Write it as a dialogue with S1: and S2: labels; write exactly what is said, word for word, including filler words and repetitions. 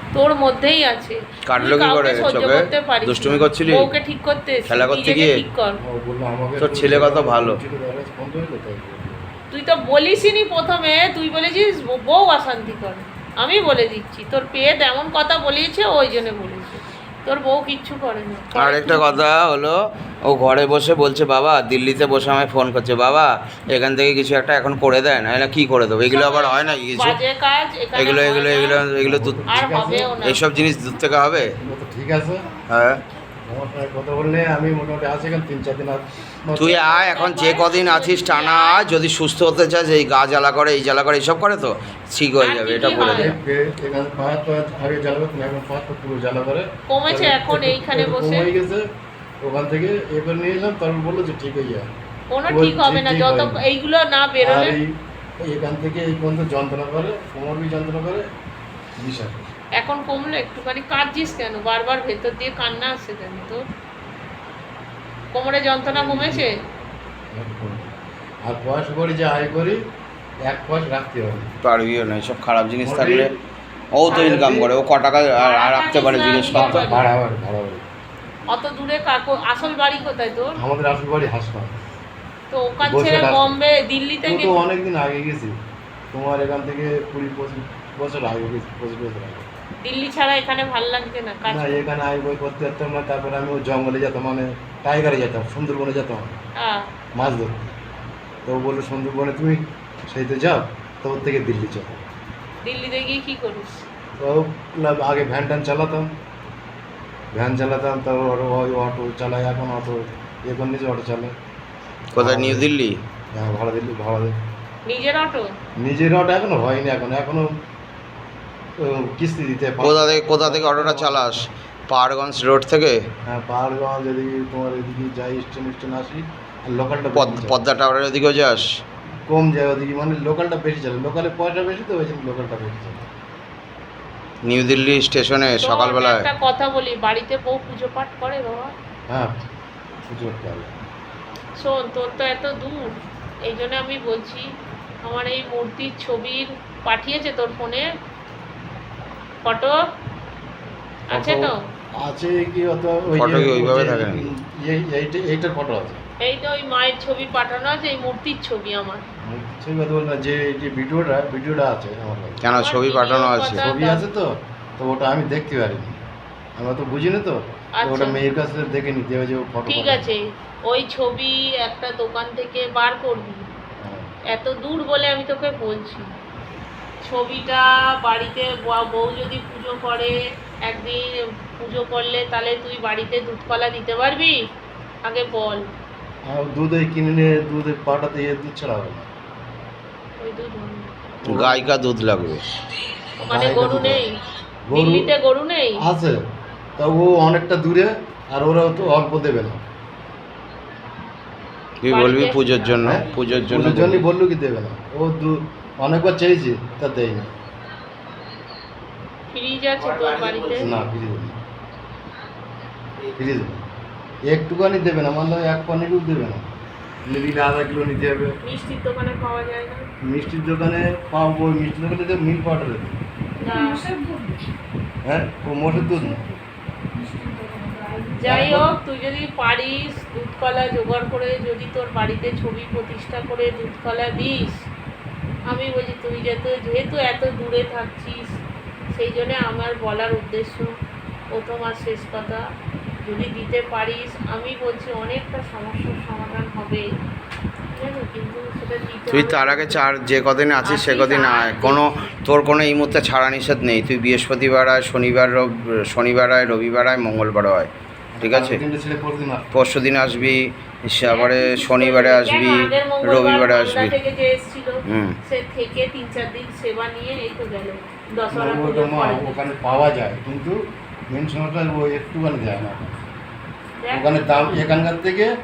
S1: তোর মধ্যেই আছে।
S2: কাটলো কি করে চোখে? দুষ্টুমি করছিলি?
S1: ওকে ঠিক করতে
S2: খেলা করতে গিয়ে
S1: ঠিক কর।
S2: তোর ছেলে কত ভালো।
S1: তুই তো বলিসনি প্রথমে, তুই বলেছিস বউ অশান্তি করে। আমি বলে দিচ্ছি তোর পেট এমন কথা বলিয়েছে ওই জন্য বলেছে, তোর বউ কিচ্ছু করে না।
S2: আর একটা কথা হলো, ও ঘরে বসে বলছে বাবা দিল্লিতে বসে আমায় ফোন করছে, বাবা এখান থেকে কিছু একটা এখন করে দেয় না, কি করে দেবো? এগুলো আবার হয় না কিছু?
S1: বাজে কাজ
S2: এগুলো এগুলো এগুলো এগুলো দূর,
S1: আর হবেও না।
S2: এইসব জিনিস দূর থেকে হবে।
S3: ঠিক আছে,
S2: হ্যাঁ
S3: আমার সঙ্গে কথা বললে আমি মোটামুটি আছি এখানে তিন চার দিন আর
S2: তুই আয়, এখন যে কদিন আছিস টানা আয়, যদি সুস্থ হতে চাস, এই গা জ্বালা করে এই জ্বালা করে এইসব করে তো ঠিক হয়ে যাবে, এটা বলে দেবে।
S3: এখানে পাহাড় তো আগে জ্বালা করতো না, এখন পাহাড় তো পুরো জ্বালা করে
S1: কমেছে এখন এইখানে বসে
S3: কমে গেছে। ওখান থেকে এবার নিয়ে এলাম, তারপর বললো যে ঠিক হয়ে যায়।
S1: কোনো ঠিক হবে না যত এইগুলো না বেরোলে।
S3: এখান থেকে এই পর্যন্ত যন্ত্রণা করে, কোমর বি যন্ত্রণা করে বিশাল।
S1: এখন কমলো একটুখানি। কাঁদছিস কেন? বারবার ভেতর দিয়ে কান্না আসছে কেন তোর? কোমরে যন্ত্রণা কমেছে?
S3: আর পয়সা করি যে আয় করি, এক পয়সা রাখতে হবে।
S2: পারবিও না, এইসব খারাপ জিনিস থাকলে। ও তো ইনকাম করে, ও ক টাকা রাখতে পারে জিজ্ঞেস করতে।
S3: ভাড়া বাড়ি, ভাড়া বাড়ি।
S1: অত দূরে কাকু আসল বাড়ি কোথায় তোর?
S3: আমাদের আসল বাড়ি হাসপাতাল।
S1: তো ওখান ছেড়ে বম্বে দিল্লি থেকে
S3: তো অনেকদিন আগে গেছি, তোমার এখান থেকে কুড়ি পঁচিশ বছর আগে গেছি, পঁচিশ বছর আগে।
S1: দিল্লি ছাড়া এখানে ভাল লাগছে না কাজ?
S3: না, এখানে আই বই করতে যেতাম না। তারপরে আমি ওই জঙ্গলে যেতাম, মানে টাইগারে যেতাম, সুন্দরবনে যেতাম
S1: হ্যাঁ
S3: মাছ ধরতে। তো ও বললো সুন্দরবনে তুমি সেইতে যাও, তো ওর থেকে দিল্লি যাও।
S1: দিল্লিতে গিয়ে কি করিস?
S3: তো না, আগে ভ্যান ট্যান চালাতাম, ভ্যান চালাতাম, তারপর ওই অটো চালাই, এখন অটো এখন নিজে অটো চালাই।
S2: কোথায়? নিউ দিল্লি?
S3: হ্যাঁ, ভাড়া দিল্লি, ভাড়া দিই।
S1: নিজের অটো?
S3: নিজের অটো এখনো হয়নি, এখন এখনো কিস্তি দিতে।
S2: কোথা থেকে কোথা থেকে অটোটা চালাস? পাহাড়গঞ্জ রোড থেকে?
S3: হ্যাঁ, পাহাড়গঞ্জ এদিকে তোমার এদিকে যাই, স্টেন স্টেন আসি। আর লোকালটা
S2: পদ্মা টাওয়ারের ওদিকেও যাস?
S3: কম যায় ওদিকে, মানে লোকালটা বেশি চলে, লোকালে পয়সা বেশি, তো ওই জন্য লোকালটা বেশি চলে।
S2: নিউ দিল্লি স্টেশনে সকালবেলায়
S1: একটা কথা বলি, বাড়িতে বউ পুজো পাঠ করে বাবা?
S3: হ্যাঁ, পুজো করতে হবে।
S1: শোন, তোর তো এত দূর, এই জন্য আমি বলছি আমার এই মূর্তির ছবির পাঠিয়েছে তোর ফোনে ফটো আছে তো?
S3: আছে কি অত? ওই
S2: ফটো কি ওইভাবে থাকে নাকি?
S3: এই এইটা এইটার ফটো আছে।
S1: এই তো ওই মায়ের ছবি পাঠানো আছে, এই মূর্তির ছবি আমার।
S3: ছবি কথা বল না, যে যে ভিডিওটা ভিডিওটা আছে আমার কাছে।
S2: কেন ছবি পাঠানো আছে?
S3: ছবি আছে তো, তো ওটা আমি দেখতে পারিনি, আমরা তো বুঝি না তো। ওটা মেয়ের কাছে দেখে নিতে হবে যে ফটো।
S1: ঠিক আছে, ওই ছবি একটা দোকান থেকে বার করবি। এত দূর বলে আমি তোকে বলছি, ছবিটা বাড়িতে বউ যদি পুজো করে, একদিন পুজো করলে তাহলে তুই বাড়িতে দুধকলা দিতে পারবি? আগে বল।
S3: আর দুধ ওই কিনে নিয়ে দুধের পাটা দিয়ে দুধ ছাড়া হবে না।
S1: ওই দুধ
S2: গাইকা দুধ লাগবে।
S1: মানে গরু নেই দিল্লিতে? গরু নেই?
S3: আছে, তা ও অনেকটা দূরে, আর ওরা তো অল্প দেবে না।
S2: তুই বলবি পুজোর জন্য, পুজোর জন্য
S3: জন্যই বললো কি দেবে না। ও দুধ অনেকবার চেয়েছি, তা দেয় না।
S1: ফ্রিজ আছে তোর বাড়িতে?
S3: না, ফ্রিজ নেই, ফ্রিজ একটুখানি দেবে না, মানে এক পনেরও দেবে না। নিলে আধা কিলো নিতে হবে।
S1: মিষ্টির দোকানে পাওয়া যায় না?
S3: মিষ্টির দোকানে পাবো, মিষ্টির দোকানে তো মিল পাউডার দেবে। হ্যাঁ, ও মোষের দুধ না।
S1: যাই হোক, তুই যদি পারিস দুধকলা জোগাড় করে যদি তোর বাড়িতে ছবি প্রতিষ্ঠা করে দুধকলা দিস, আমি বলছি তুই যেহেতু যেহেতু এত দূরে থাকছিস, সেই জন্য আমার বলার উদ্দেশ্য প্রথম আর শেষ কথা, যদি দিতে পারিস আমি বলছি অনেকটা সমস্যার সমাধান হবে। কিন্তু সেটা দিতে
S2: তুই তার আগে চার যে কদিন আছিস সে কদিন আয়, কোনো তোর কোনো এই মুহূর্তে ছাড়া নিষেধ নেই। তুই বৃহস্পতিবার আয়, শনিবার শনিবার আয়, রবিবার আয়, মঙ্গলবার আয়, ঠিক আছে? পরশু দিন আসবি, তারপরে শনিবারে আসবি, রবিবারে আসবি।
S1: হুম, সে থেকে তিন চার দিন সেবা নিয়ে এই তো গেল দশহরা।
S3: ওখানে পাওয়া যায়, কিন্তু মেন সমস্যা ও একটুখানি যায় না। ওখানে দাম এখানকার থেকে